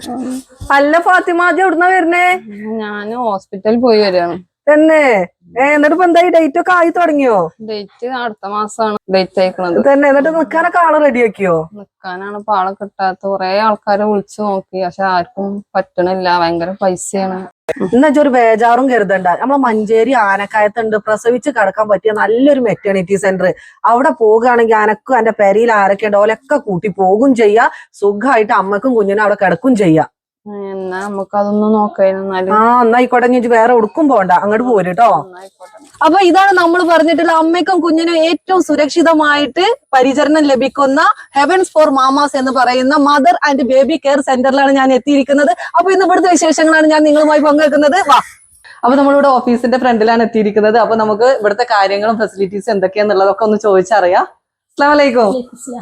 അല്ല ഫാത്തിമാജി എവിടുന്നാ വരുന്നേ? ഞാന് ഹോസ്പിറ്റലിൽ പോയി വരികയാണ്. തന്നെ എന്നിട്ട് ഇപ്പൊ എന്തായി ഡേറ്റ് ഒക്കെ ആയി തുടങ്ങിയോ? ഡേറ്റ് അടുത്ത മാസമാണ് ഡേറ്റ് അയക്കണത്. തന്നെ എന്നിട്ട് നിക്കാനൊക്കെ ആളെ റെഡിയാക്കിയോ? നിക്കാനാണ് ഇപ്പൊ ആളെ കിട്ടാത്ത. കുറെ ആൾക്കാരെ വിളിച്ചു നോക്കി, പക്ഷെ ആർക്കും പറ്റണില്ല. ഭയങ്കര പൈസയാണ്. എന്നുവെച്ചാ ഒരു ബേജാറും കരുതണ്ട. നമ്മളെ മഞ്ചേരി ആനക്കായത്തുണ്ട് പ്രസവിച്ച് കിടക്കാൻ പറ്റിയ നല്ലൊരു മെറ്റേണിറ്റി സെന്റർ. അവിടെ പോകുകയാണെങ്കിൽ അനക്കും എന്റെ പെരയിൽ ആരൊക്കെ ഉണ്ട് ഓലൊക്കെ കൂട്ടി പോകും ചെയ്യാ. സുഖമായിട്ട് അമ്മക്കും കുഞ്ഞിനും അവിടെ കിടക്കും ചെയ്യാം. എന്നാ നമുക്ക് അതൊന്നും നോക്കായിരുന്നാല്. എന്നായിക്കോട്ടെ. ഞാൻ വേറെ ഉടുക്കും പോണ്ട, അങ്ങോട്ട് പോരുട്ടോ. അപ്പൊ ഇതാണ് നമ്മൾ പറഞ്ഞിട്ടുള്ള അമ്മയ്ക്കും കുഞ്ഞിനും ഏറ്റവും സുരക്ഷിതമായിട്ട് പരിചരണം ലഭിക്കുന്ന ഹെവൻസ് ഫോർ മാമാസ് എന്ന് പറയുന്ന മദർ ആൻഡ് ബേബി കെയർ സെന്ററിലാണ് ഞാൻ എത്തിയിരിക്കുന്നത്. അപ്പൊ ഇന്ന് ഇവിടുത്തെ വിശേഷങ്ങളാണ് ഞാൻ നിങ്ങളുമായി പങ്കുവെക്കുന്നത്. വാ. അപ്പൊ നമ്മളിവിടെ ഓഫീസിന്റെ ഫ്രണ്ടിലാണ് എത്തിയിരിക്കുന്നത്. അപ്പൊ നമുക്ക് ഇവിടുത്തെ കാര്യങ്ങളും ഫെസിലിറ്റീസും എന്തൊക്കെയാന്നുള്ളതൊക്കെ ഒന്ന് ചോദിച്ചറിയാം. അസ്സലാമു അലൈക്കും.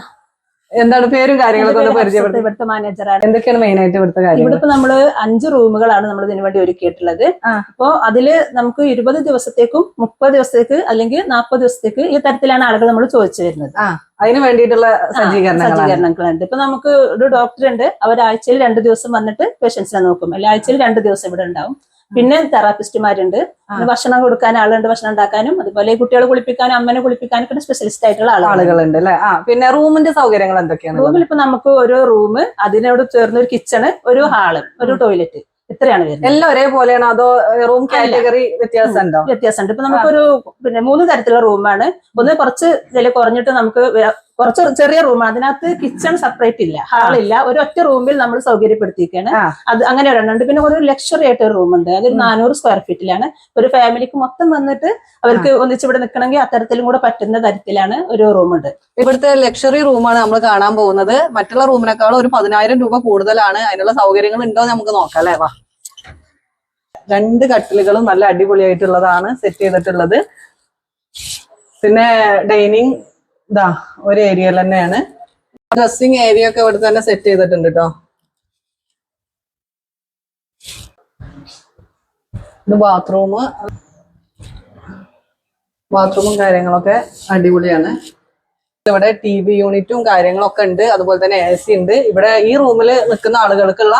എന്താണ് പേരും കാര്യങ്ങളൊക്കെ ഒന്ന് പരിചയപ്പെടുത്തി? ഇവിടുത്തെ മാനേജറാണ്. എന്തൊക്കെയാണ് മെയിൻ ആയിട്ട് ഇവിടുത്തെ കാര്യം? ഇവിടെ ഇപ്പൊ നമ്മള് 5 റൂമുകളാണ് നമ്മൾ ഇതിനു വേണ്ടി ഒരുക്കിയിട്ടുള്ളത്. അപ്പൊ അതില് നമുക്ക് 20 ദിവസത്തേക്കും 30 ദിവസത്തേക്ക് അല്ലെങ്കിൽ 40 ദിവസത്തേക്ക് ഈ തരത്തിലാണ് ആളുകൾ നമ്മൾ ചോദിച്ചു വരുന്നത്. അതിന് വേണ്ടിയിട്ടുള്ള സജ്ജീകരണങ്ങളുണ്ട്. ഇപ്പൊ നമുക്ക് ഒരു ഡോക്ടർ ഉണ്ട്. അവർ ആഴ്ചയിൽ 2 ദിവസം വന്നിട്ട് പേഷ്യൻസിനെ നോക്കും. അല്ലെ ആഴ്ചയിൽ 2 ദിവസം ഇവിടെ ഉണ്ടാവും. പിന്നെ തെറാപ്പിസ്റ്റുമാരുണ്ട്. ഭക്ഷണം കൊടുക്കാൻ ആളുണ്ട്, ഭക്ഷണം ഉണ്ടാക്കാനും അതുപോലെ കുട്ടികളെ കുളിപ്പിക്കാനും അമ്മനെ കുളിപ്പിക്കാനൊക്കെ സ്പെഷ്യലിസ്റ്റ് ആയിട്ടുള്ള ആളുകളുണ്ട് അല്ലെ. പിന്നെ റൂമിന്റെ സൗകര്യങ്ങൾ എന്തൊക്കെയാണ്? റൂമിൽ ഇപ്പൊ നമുക്ക് ഒരു റൂം, അതിനോട് ചേർന്ന് ഒരു കിച്ചണ്, ഒരു ഹാള്, ഒരു ടോയ്ലറ്റ്, ഇത്രയാണ് വരുന്നത്. എല്ലാം ഒരേപോലെയാണ് അതോ റൂം കാറ്റഗറി വ്യത്യാസമുണ്ടോ? വ്യത്യാസമുണ്ട്. ഇപ്പൊ നമുക്കൊരു 3 തരത്തിലുള്ള റൂമാണ്. ഒന്ന് കുറച്ച് വില കുറഞ്ഞിട്ട് നമുക്ക് കുറച്ച് ചെറിയ റൂമാണ്. അതിനകത്ത് കിച്ചൺ സെപ്പറേറ്റ് ഇല്ല, ഹാളില്ല, ഒരു ഒറ്റ റൂമിൽ നമ്മൾ സൗകര്യപ്പെടുത്തിയിരിക്കുകയാണ്. അത് അങ്ങനെ ഒരെണ്ണുണ്ട്. പിന്നെ ഒരു ലക്ഷറി ആയിട്ട് ഒരു റൂമുണ്ട്. അതൊരു 400 സ്ക്വയർ ഫീറ്റിലാണ്. ഒരു ഫാമിലിക്ക് മൊത്തം വന്നിട്ട് അവർക്ക് ഒന്നിച്ചിവിടെ നിൽക്കണമെങ്കിൽ അത്തരത്തിലും കൂടെ പറ്റുന്ന തരത്തിലാണ് ഒരു റൂമുണ്ട്. ഇവിടുത്തെ ലക്ഷറി റൂമാണ് നമ്മൾ കാണാൻ പോകുന്നത്. മറ്റുള്ള റൂമിനേക്കാളും ഒരു 10,000 രൂപ കൂടുതലാണ്. അതിനുള്ള സൗകര്യങ്ങൾ ഉണ്ടോ നമുക്ക് നോക്കാം അല്ലേ. വാ. 2 കട്ടിലുകളും നല്ല അടിപൊളിയായിട്ടുള്ളതാണ് സെറ്റ് ചെയ്തിട്ടുള്ളത്. പിന്നെ ഡൈനിങ് ഇതാ ഒരു ഏരിയയിൽ തന്നെയാണ്. ഡ്രസ്സിങ് ഏരിയ ഒക്കെ ഇവിടെ തന്നെ സെറ്റ് ചെയ്തിട്ടുണ്ട് കേട്ടോ. ഇത് ബാത്റൂമും കാര്യങ്ങളൊക്കെ അടിപൊളിയാണ്. ഇവിടെ TV യൂണിറ്റും കാര്യങ്ങളൊക്കെ ഉണ്ട്. അതുപോലെ തന്നെ AC ഉണ്ട്. ഇവിടെ ഈ റൂമിൽ നിൽക്കുന്ന ആളുകൾക്കുള്ള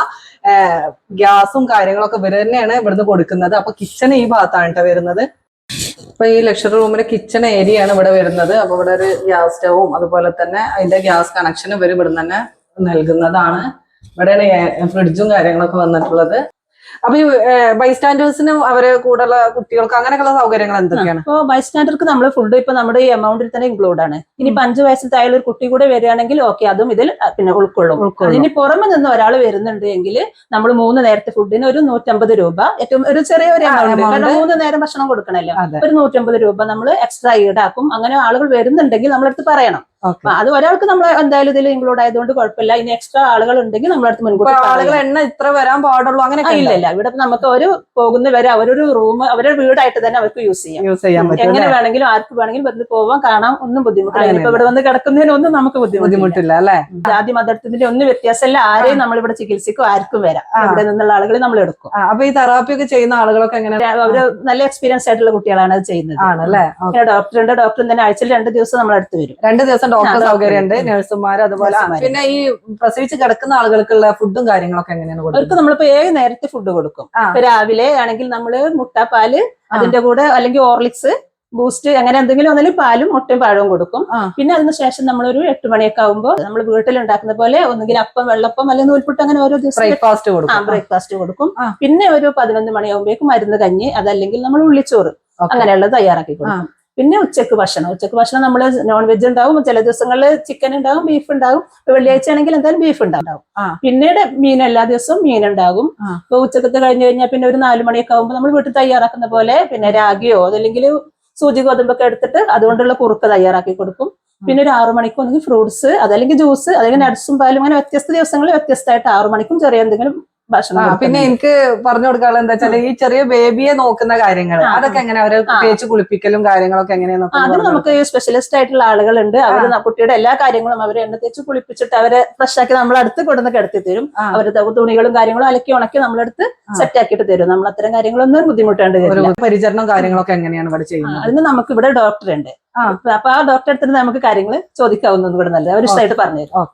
ഗ്യാസും കാര്യങ്ങളൊക്കെ ഇവർ തന്നെയാണ് ഇവിടുന്ന് കൊടുക്കുന്നത്. അപ്പൊ കിച്ചൺ ഈ ഭാഗത്താണ് കേട്ടോ വരുന്നത്. ഇപ്പൊ ഈ ലക്ഷറി റൂമിലെ കിച്ചൺ ഏരിയ ആണ് ഇവിടെ വരുന്നത്. അപ്പൊ ഇവിടെ ഒരു ഗ്യാസ് സ്റ്റവും അതുപോലെ തന്നെ അതിന്റെ ഗ്യാസ് കണക്ഷൻ ഇവർ ഇവിടെ തന്നെ നൽകുന്നതാണ്. ഇവിടെയാണ് ഫ്രിഡ്ജും കാര്യങ്ങളൊക്കെ വന്നിട്ടുള്ളത്. അപ്പൊ ഈ ബൈസ്റ്റാൻഡേഴ്സിനും അവരെ കൂടെയുള്ള കുട്ടികൾക്ക് അങ്ങനെയൊക്കെയുള്ള സൗകര്യങ്ങൾ എന്തൊക്കെയാണ്? ഇപ്പൊ ബൈസ്റ്റാൻഡർക്ക് നമ്മൾ ഫുഡ് ഇപ്പൊ നമ്മുടെ ഈ എമൗണ്ടിൽ തന്നെ ഇൻക്ലൂഡ് ആണ്. ഇനിയിപ്പോ 5 വയസ്സിൽ താഴെ ഒരു കുട്ടി കൂടെ വരികയാണെങ്കിൽ ഓക്കെ, അതും ഇതിൽ പിന്നെ ഉൾക്കൊള്ളും. ഇനി പുറമെ നിന്ന് ഒരാൾ വരുന്നുണ്ട് എങ്കിൽ നമ്മൾ 3 നേരത്തെ ഫുഡിന് ഒരു 150 രൂപ, ഏറ്റവും ഒരു ചെറിയ ഒരു എമൗണ്ട്, കാരണം 3 നേരം ഭക്ഷണം കൊടുക്കണല്ലോ. ഒരു 150 രൂപ നമ്മൾ എക്സ്ട്രാ ഈടാക്കും. അങ്ങനെ ആളുകൾ വരുന്നുണ്ടെങ്കിൽ നമ്മളടുത്ത് പറയണം. അത് ഒരാൾക്ക് നമ്മൾ എന്തായാലും ഇതിൽ ഇൻക്ലൂഡ് ആയതുകൊണ്ട് കുഴപ്പമില്ല. ഇനി എക്സ്ട്രാ ആളുകൾ ഉണ്ടെങ്കിൽ നമ്മളടുത്ത് മുൻകൂട്ടി ആളുകൾ എണ്ണ ഇത്ര വരാൻ പാടുള്ളൂ അങ്ങനെ ഇല്ല. ഇവിടെ നമുക്ക് ഒരു പോകുന്നവരെ അവരൊരു റൂം അവരുടെ വീടായിട്ട് തന്നെ അവർക്ക് യൂസ് ചെയ്യാം. എങ്ങനെ വേണമെങ്കിലും ആർക്ക് വേണമെങ്കിലും വന്ന് പോവാൻ കാണാം, ഒന്നും ബുദ്ധിമുട്ടില്ല. ഇപ്പൊ ഇവിടെ വന്ന് കിടക്കുന്നതിനൊന്നും നമുക്ക് ബുദ്ധിമുട്ടില്ല അല്ലെ. ജാതി മതത്തിന്റെ ഒന്നും വ്യത്യാസമല്ല. ആരെയും നമ്മളിവിടെ ചികിത്സയ്ക്കും ആർക്കും വരാം. ഇവിടെ നിന്നുള്ള ആളുകളെ നമ്മൾ എടുക്കും. അപ്പൊ ഈ തെറാപ്പി ഒക്കെ ചെയ്യുന്ന ആളുകളൊക്കെ എങ്ങനെ? അവര് നല്ല എക്സ്പീരിയൻസ് ആയിട്ടുള്ള കുട്ടികളാണ് അത് ചെയ്യുന്നത്. ആണല്ലേ. ഡോക്ടറുണ്ട്. ഡോക്ടർ തന്നെ ആഴ്ചയിൽ 2 ദിവസം നമ്മളടുത്ത് വരും. 2 ദിവസം ഡോക്ടർ സൗകര്യമുണ്ട്, നഴ്സുമാർ അതുപോലെ. പിന്നെ ഈ പ്രസവിച്ച് കിടക്കുന്ന ആളുകൾക്കുള്ള ഫുഡും കാര്യങ്ങളൊക്കെ എങ്ങനെയാണ് കൊടുക്കുന്നത്? അവർക്ക് നമ്മളിപ്പോ 7 നേരത്തെ ഫുഡ് കൊടുക്കും. ഇപ്പൊ രാവിലെ ആണെങ്കിൽ നമ്മള് മുട്ടപ്പാല്, അതിന്റെ കൂടെ അല്ലെങ്കിൽ ഓർലിക്സ്, ബൂസ്റ്റ്, അങ്ങനെ എന്തെങ്കിലും ഒന്നിലും പാലും മുട്ടയും പഴവും കൊടുക്കും. പിന്നെ അതിനുശേഷം നമ്മളൊരു 8 മണിയൊക്കെ ആകുമ്പോൾ നമ്മൾ വീട്ടിലുണ്ടാക്കുന്ന പോലെ ഒന്നുകിൽ അപ്പം, വെള്ളപ്പം അല്ലെങ്കിൽ നൂൽപുട്ട്, അങ്ങനെ ഓരോ ദിവസം ബ്രേക്ക്ഫാസ്റ്റ് കൊടുക്കും. പിന്നെ ഒരു 11 മണിയാകുമ്പോഴേക്കും മരുന്ന് കഞ്ഞി, അതല്ലെങ്കിൽ നമ്മൾ ഉള്ളിച്ചോറ്, അങ്ങനെയുള്ളത് തയ്യാറാക്കി കൊടുക്കും. പിന്നെ ഉച്ചക്ക് ഭക്ഷണം നമ്മൾ നോൺ വെജ് ഉണ്ടാവും. ചില ദിവസങ്ങളിൽ ചിക്കൻ ഉണ്ടാവും, ബീഫ് ഉണ്ടാവും. വെള്ളിയാഴ്ച ആണെങ്കിൽ എന്തായാലും ബീഫ് ഉണ്ടാവും. പിന്നീട് മീൻ, എല്ലാ ദിവസവും മീൻ ഉണ്ടാകും. ഇപ്പൊ ഉച്ചക്കത്തെ കഴിഞ്ഞ് കഴിഞ്ഞാൽ പിന്നെ ഒരു 4 മണിയൊക്കെ ആകുമ്പോൾ നമ്മൾ വീട്ടിൽ തയ്യാറാക്കുന്ന പോലെ പിന്നെ രാഗിയോ അതല്ലെങ്കിൽ സൂചി ഗോതമ്പൊക്കെ എടുത്തിട്ട് അതുകൊണ്ടുള്ള കുറുക്ക് തയ്യാറാക്കി കൊടുക്കും. പിന്നെ ഒരു 6 മണിക്കും ഒന്നെങ്കിൽ ഫ്രൂട്ട്സ്, അതല്ലെങ്കിൽ ജ്യൂസ്, അല്ലെങ്കിൽ നട്ട്സും പാലും, അങ്ങനെ വ്യത്യസ്ത ദിവസങ്ങളിൽ വ്യത്യസ്തമായിട്ട് 6 മണിക്കും ചെറിയ എന്തെങ്കിലും ഭക്ഷണം. പിന്നെ എനിക്ക് പറഞ്ഞു കൊടുക്കാനുള്ള എന്താ വെച്ചാൽ ഈ ചെറിയ ബേബിയെ നോക്കുന്ന കാര്യങ്ങൾ അതൊക്കെ എങ്ങനെ, അവരെ തേച്ച് കുളിപ്പിക്കലും കാര്യങ്ങളൊക്കെ എങ്ങനെയാണ്? അതിന് നമുക്ക് സ്പെഷ്യലിസ്റ്റ് ആയിട്ടുള്ള ആളുകളുണ്ട്. അവർ കുട്ടിയുടെ എല്ലാ കാര്യങ്ങളും അവരെ എണ്ണ തേച്ച് കുളിപ്പിച്ചിട്ട് അവരെ ഫ്രഷ് ആക്കി നമ്മളടുത്ത് കൊടുന്ന് കിടത്തി തരും. അവരുടെ തുണികളും കാര്യങ്ങളും അലക്കി ഉണക്കി നമ്മളടുത്ത് സെറ്റ് ആക്കിയിട്ട് തരും. നമ്മൾ അത്തരം കാര്യങ്ങളൊന്നും ബുദ്ധിമുട്ടേണ്ടി വരില്ല. പരിചരണം കാര്യങ്ങളൊക്കെ എങ്ങനെയാണ് ഇവിടെ ചെയ്യുന്നത്? അതിന് നമുക്ക് ഇവിടെ ഡോക്ടർ ഉണ്ട്. അപ്പൊ ആ ഡോക്ടറെ അടുത്ത് നമുക്ക് കാര്യങ്ങൾ ചോദിക്കാവുന്നത് കൂടെ നല്ലത്. അവർ ഇഷ്ടമായിട്ട് പറഞ്ഞുതരും.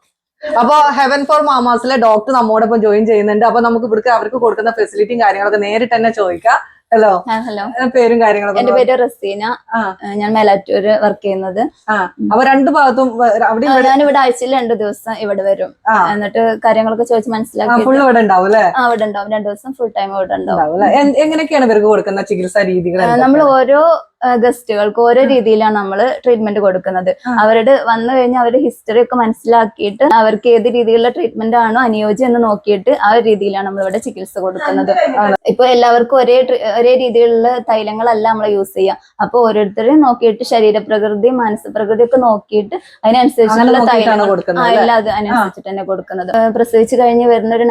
അപ്പൊ ഹെവൻ ഫോർ മാമാസിലെ ഡോക്ടർ നമ്മോടൊപ്പം ജോയിൻ ചെയ്യുന്നുണ്ട്. അപ്പൊ നമുക്ക് ഇവിടുത്തെ അവർക്ക് കൊടുക്കുന്ന ഫെസിലിറ്റിയും കാര്യങ്ങളൊക്കെ നേരിട്ട് തന്നെ ചോദിക്കാം. ഹലോ, ഹലോ, പേരും കാര്യങ്ങളൊക്കെ? എന്റെ പേര് റസീന. ഞാൻ മേലാറ്റൂര് വർക്ക് ചെയ്യുന്നത്. അപ്പൊ രണ്ട് ഭാഗത്തും ഞാനിവിടെ ആഴ്ചയിൽ 2 ദിവസം ഇവിടെ വരും. എന്നിട്ട് കാര്യങ്ങളൊക്കെ ചോദിച്ച് മനസ്സിലാക്കി ഫുൾ ഇവിടെ ഉണ്ടാവും അല്ലെ? ഇവിടെ ഉണ്ടാവും. 2 ദിവസം ഫുൾ ടൈം ഇവിടെ ഉണ്ടാവും. എങ്ങനെയൊക്കെയാണ് ഇവർക്ക് കൊടുക്കുന്ന ചികിത്സാ രീതികൾ? നമ്മൾ ഓരോ ഗസ്റ്റുകൾക്ക് ഓരോ രീതിയിലാണ് നമ്മൾ ട്രീറ്റ്മെന്റ് കൊടുക്കുന്നത്. അവരുടെ വന്നു കഴിഞ്ഞാൽ അവരുടെ ഹിസ്റ്ററി ഒക്കെ മനസ്സിലാക്കിയിട്ട് അവർക്ക് ഏത് രീതിയിലുള്ള ട്രീറ്റ്മെന്റ് ആണോ അനുയോജ്യം എന്ന് നോക്കിയിട്ട് ആ ഒരു രീതിയിലാണ് നമ്മൾ ഇവിടെ ചികിത്സ കൊടുക്കുന്നത്. ഇപ്പൊ എല്ലാവർക്കും ഒരേ രീതിയിലുള്ള തൈലങ്ങളല്ല നമ്മൾ യൂസ് ചെയ്യുക. അപ്പൊ ഓരോരുത്തരെയും നോക്കിയിട്ട് ശരീരപ്രകൃതി മാനസികപ്രകൃതി ഒക്കെ നോക്കിയിട്ട് അതിനനുസരിച്ചുള്ള തൈലങ്ങൾ എല്ലാം അതിനനുസരിച്ചിട്ട് തന്നെ കൊടുക്കുന്നത്. പ്രസവിച്ച് കഴിഞ്ഞ് വരുന്ന ഒരു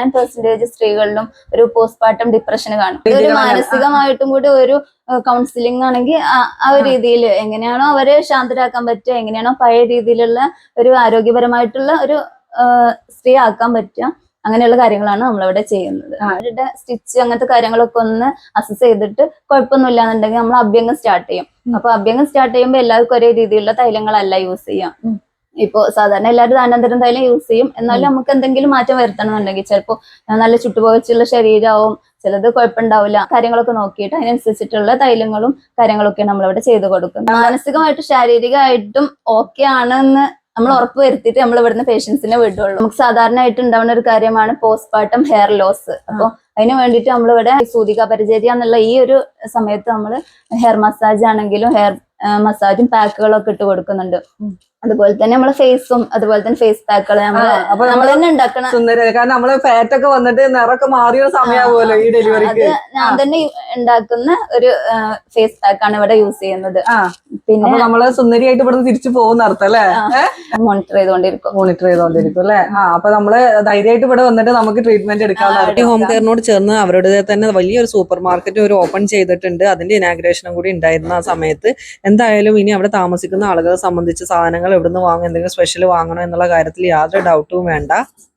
99% സ്ത്രീകളിലും ഒരു പോസ്റ്റ്മോർട്ടം ഡിപ്രഷൻ കാണും. ഒരു മാനസികമായിട്ടും കൂടി ഒരു കൗൺസിലിംഗ് ആണെങ്കിൽ ആ ഒരു രീതിയിൽ എങ്ങനെയാണോ അവരെ ശാന്തരാക്കാൻ പറ്റുക, എങ്ങനെയാണോ പഴയ രീതിയിലുള്ള ഒരു ആരോഗ്യപരമായിട്ടുള്ള ഒരു സ്ത്രീ ആക്കാൻ പറ്റുക, അങ്ങനെയുള്ള കാര്യങ്ങളാണ് നമ്മളിവിടെ ചെയ്യുന്നത്. അവരുടെ സ്റ്റിച്ച് അങ്ങനത്തെ കാര്യങ്ങളൊക്കെ ഒന്ന് അസസ് ചെയ്തിട്ട് കുഴപ്പമൊന്നുമില്ല എന്നുണ്ടെങ്കിൽ നമ്മൾ അഭ്യംഗം സ്റ്റാർട്ട് ചെയ്യും. അപ്പൊ അഭ്യംഗം സ്റ്റാർട്ട് ചെയ്യുമ്പോൾ എല്ലാവർക്കും ഒരേ രീതിയിലുള്ള തൈലങ്ങളല്ല യൂസ് ചെയ്യാം. ഇപ്പൊ സാധാരണ എല്ലാവരും ധാനാന്തരം തൈലം യൂസ് ചെയ്യും. എന്നാലും നമുക്ക് എന്തെങ്കിലും മാറ്റം വരുത്തണമെന്നുണ്ടെങ്കിൽ ചിലപ്പോൾ നല്ല ചുട്ടുപോകച്ചുള്ള ശരീരമാവും, ചിലത് കുഴപ്പമുണ്ടാവില്ല. കാര്യങ്ങളൊക്കെ നോക്കിയിട്ട് അതിനനുസരിച്ചിട്ടുള്ള തൈലങ്ങളും കാര്യങ്ങളൊക്കെ നമ്മളിവിടെ ചെയ്തു കൊടുക്കും. മാനസികമായിട്ടും ശാരീരികമായിട്ടും ഓക്കെ ആണെന്ന് നമ്മൾ ഉറപ്പ് വരുത്തിയിട്ട് നമ്മൾ ഇവിടുന്ന് പേഷ്യൻസിനെ വിടുള്ളൂ. നമുക്ക് സാധാരണയായിട്ട് ഉണ്ടാവുന്ന ഒരു കാര്യമാണ് പോസ്റ്റ്മോർട്ടം ഹെയർ ലോസ്. അപ്പോൾ അതിന് വേണ്ടിയിട്ട് നമ്മളിവിടെ സൂതിക പരിചര്യ എന്നുള്ള ഈ ഒരു സമയത്ത് നമ്മൾ ഹെയർ മസാജ് ആണെങ്കിലും ഹെയർ മസാജും പാക്കുകളൊക്കെ ഇട്ട് കൊടുക്കുന്നുണ്ട്. അതുപോലെ തന്നെ നമ്മളെ ഫേസും അതുപോലെ തന്നെ ഫേസ് പാക്കുകൾ നമ്മൾ തന്നെ ഉണ്ടാക്കണം. കാരണം നമ്മള് ഫാറ്റ് ഒക്കെ വന്നിട്ട് നിറൊക്കെ മാറിയ സമയമാവുമല്ലോ ഈ ഡെലിവറിക്ക്. ഞാൻ തന്നെ ഉണ്ടാക്കുന്ന ഒരു ഫേസ് പാക്കാണ് ഇവിടെ യൂസ് ചെയ്യുന്നത്. പിന്നെ നമ്മള് സുന്ദരിയായിട്ട് ഇവിടെ തിരിച്ചു പോകുന്ന അർത്ഥം അല്ലെ? മോണിറ്റർ ചെയ്തോണ്ടിരിക്കും അല്ലെ? അപ്പൊ നമ്മള് ധൈര്യമായിട്ട് ഇവിടെ വന്നിട്ട് നമുക്ക് ട്രീറ്റ്മെന്റ് എടുക്കാവുന്ന. ഹോം കെയറിനോട് ചേർന്ന് അവരുടെ തന്നെ വലിയൊരു സൂപ്പർ മാർക്കറ്റ് ഒരു ഓപ്പൺ ചെയ്തിട്ടുണ്ട്. അതിന്റെ ഇനാഗ്രേഷനും കൂടി ഉണ്ടായിരുന്ന ആ സമയത്ത് എന്തായാലും ഇനി അവിടെ താമസിക്കുന്ന ആളുകളെ സംബന്ധിച്ച് സാധനങ്ങൾ എവിടുന്ന് വാങ്ങും, എന്തെങ്കിലും സ്പെഷ്യൽ വാങ്ങണോ എന്നുള്ള കാര്യത്തിൽ യാതൊരു ഡൗട്ടും വേണ്ട.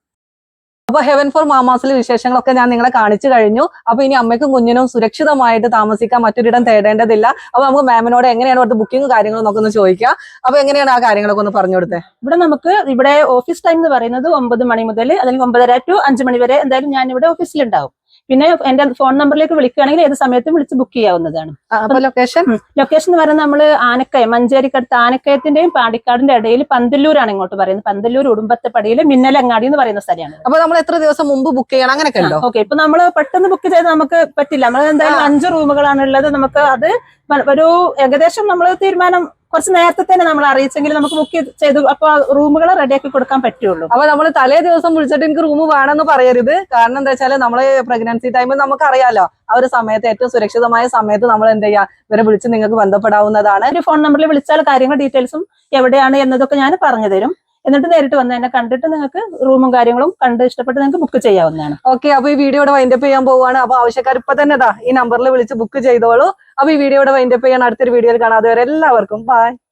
അപ്പൊ ഹെവൻ ഫോർ മാമാസിലെ വിശേഷങ്ങളൊക്കെ ഞാൻ നിങ്ങളെ കാണിച്ചു കഴിഞ്ഞു. അപ്പൊ ഇനി അമ്മയ്ക്കും കുഞ്ഞിനും സുരക്ഷിതമായിട്ട് താമസിക്കാൻ മറ്റൊരിടം തേടേണ്ടതില്ല. അപ്പൊ നമുക്ക് മാമിനോട് എങ്ങനെയാണ് ഇവിടുത്തെ ബുക്കിംഗ് കാര്യങ്ങളും നമുക്ക് ഒന്ന് ചോദിക്കാം. അപ്പൊ എങ്ങനെയാണ് ആ കാര്യങ്ങളൊക്കെ ഒന്ന് പറഞ്ഞു കൊടുത്തേ? ഇവിടെ ഓഫീസ് ടൈം എന്ന് പറയുന്നത് 9 മണി മുതൽ അല്ലെങ്കിൽ 9:30 to 5 മണി വരെ എന്തായാലും ഞാൻ ഇവിടെ ഓഫീസിലുണ്ടാവും. പിന്നെ എന്റെ ഫോൺ നമ്പറിലേക്ക് വിളിക്കുകയാണെങ്കിൽ ഏത് സമയത്തും വിളിച്ച് ബുക്ക് ചെയ്യാവുന്നതാണ്. ലൊക്കേഷൻ എന്ന് പറയുന്നത് നമ്മള് ആനക്കയം, മഞ്ചേരിക്കടുത്ത് ആനക്കയത്തിന്റെയും പാണ്ടിക്കാടിന്റെ ഇടയിൽ പന്തല്ലൂരാണ് ഇങ്ങോട്ട് പറയുന്നത്. പന്തല്ലൂർ ഉടുമ്പത്തപ്പടിയിലെ മിന്നലങ്ങാടി എന്ന് പറയുന്ന സ്ഥലമാണ്. അപ്പൊ നമ്മൾ എത്ര ദിവസം മുമ്പ് ബുക്ക് ചെയ്യണം അങ്ങനെയൊക്കെ ഉണ്ടോ? ഓക്കെ, ഇപ്പൊ നമ്മള് പെട്ടെന്ന് ബുക്ക് ചെയ്ത് നമുക്ക് പറ്റില്ല. നമ്മൾ എന്തായാലും 5 റൂമുകളാണ് ഉള്ളത്. നമുക്ക് അത് ഒരു ഏകദേശം നമ്മൾ തീരുമാനം കുറച്ച് നേരത്തെ തന്നെ നമ്മൾ അറിയിച്ചെങ്കിൽ നമുക്ക് ബുക്ക് ചെയ്തു അപ്പൊ റൂമുകൾ റെഡിയാക്കി കൊടുക്കാൻ പറ്റുള്ളൂ. അപ്പൊ നമ്മൾ തലേ ദിവസം വിളിച്ചിട്ട് എനിക്ക് റൂം വേണമെന്ന് പറയരുത്. കാരണം എന്താ വെച്ചാൽ നമ്മള് പ്രഗ്നൻസി ടൈമിൽ നമുക്ക് അറിയാലോ ആ ഒരു സമയത്ത് ഏറ്റവും സുരക്ഷിതമായ സമയത്ത് നമ്മൾ എന്ത് ചെയ്യാ ഇവരെ വിളിച്ച് നിങ്ങൾക്ക് ബന്ധപ്പെടാവുന്നതാണ്. ഒരു ഫോൺ നമ്പറിൽ വിളിച്ചാൽ കാര്യങ്ങൾ ഡീറ്റെയിൽസും എവിടെയാണ് എന്നതൊക്കെ ഞാൻ പറഞ്ഞു തരും. എന്നിട്ട് നേരിട്ട് വന്ന് എന്നെ കണ്ടിട്ട് നിങ്ങൾക്ക് റൂമും കാര്യങ്ങളും കണ്ട് ഇഷ്ടപ്പെട്ട് നിങ്ങൾക്ക് ബുക്ക് ചെയ്യാവുന്നതാണ്. ഓക്കെ, അപ്പൊ ഈ വീഡിയോയുടെ വൈൻഡപ്പ് ചെയ്യാൻ പോവുകയാണ്. അപ്പൊ ആവശ്യക്കാർ ഇപ്പൊ തന്നെ ഈ നമ്പറിൽ വിളിച്ച് ബുക്ക് ചെയ്തോളൂ. അപ്പൊ ഈ വീഡിയോയുടെ വൈൻഡപ്പ് ചെയ്യാൻ അടുത്തൊരു വീഡിയോയിൽ കാണാം. അതുവരെ എല്ലാവർക്കും ബൈ.